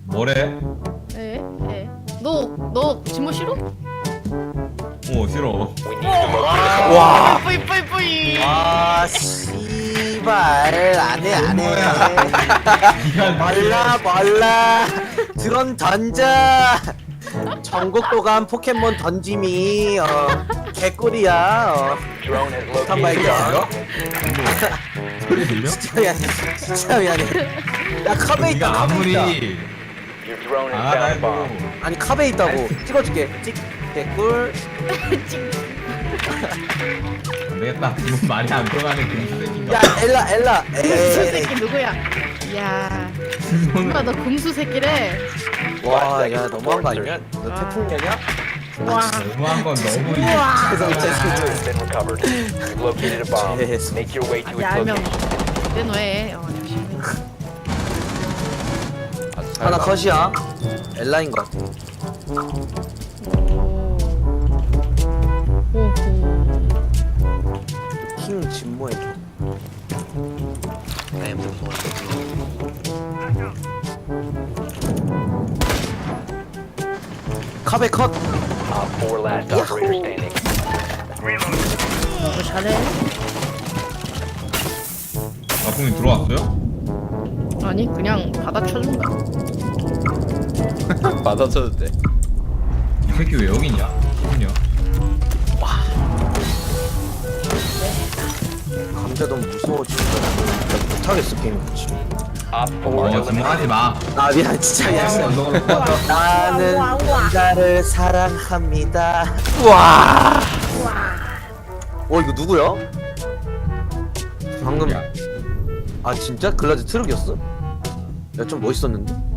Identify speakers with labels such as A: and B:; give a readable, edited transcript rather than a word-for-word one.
A: 뭐래?
B: 에? 너 진모 싫어?
A: 싫어.
C: 와.
B: 뿌이.
C: 와, 씨발. 안 해. 몰라. 드론 던져. 전국도감 포켓몬 던짐이 개꿀이야. 폭탄 발견.
A: 소리 들려?
C: 진짜 미안해. 야, 컵에 있다.
A: 네가
C: 컵에 있다.
A: 아무리 안 해도
C: 아니, 컵에 있다고. 찍어줄게. 개꿀.
A: 안 되겠다. 지금 말이 안 들어가는 금수 새끼인가?
C: 야, 엘라.
B: 금수
C: 에이.
B: 새끼 누구야? 야, 엄마 너 금수 새끼래.
C: 와, 야, 너무한 거 아니냐? 너 태풍이냐?
B: 와,
A: 너무한 건 너무
B: 야 알면 내놓해. 역시.
C: 하나 컷이야. 엘라인 것 같아.
B: 오호.
C: 킹 진모해. 카베 컷.
B: 너 잘해.
A: 아풍이 들어왔어요?
B: 아니 그냥 받아쳐준다.
D: 받아쳐도 돼.
A: 이 새끼 왜 여기 있냐? 기분이야.
C: 감자 너무 무서워 진짜. 나 못하겠어 게임 같이.
A: 지금 하지 마.
C: 아 미안 진짜 미안해.
A: 너가 꺼져.
C: 나는 감자를 사랑합니다. 이거 누구야? 방금
A: 야,
C: 아 진짜 글라즈 트럭이었어? 야 좀 멋있었는데?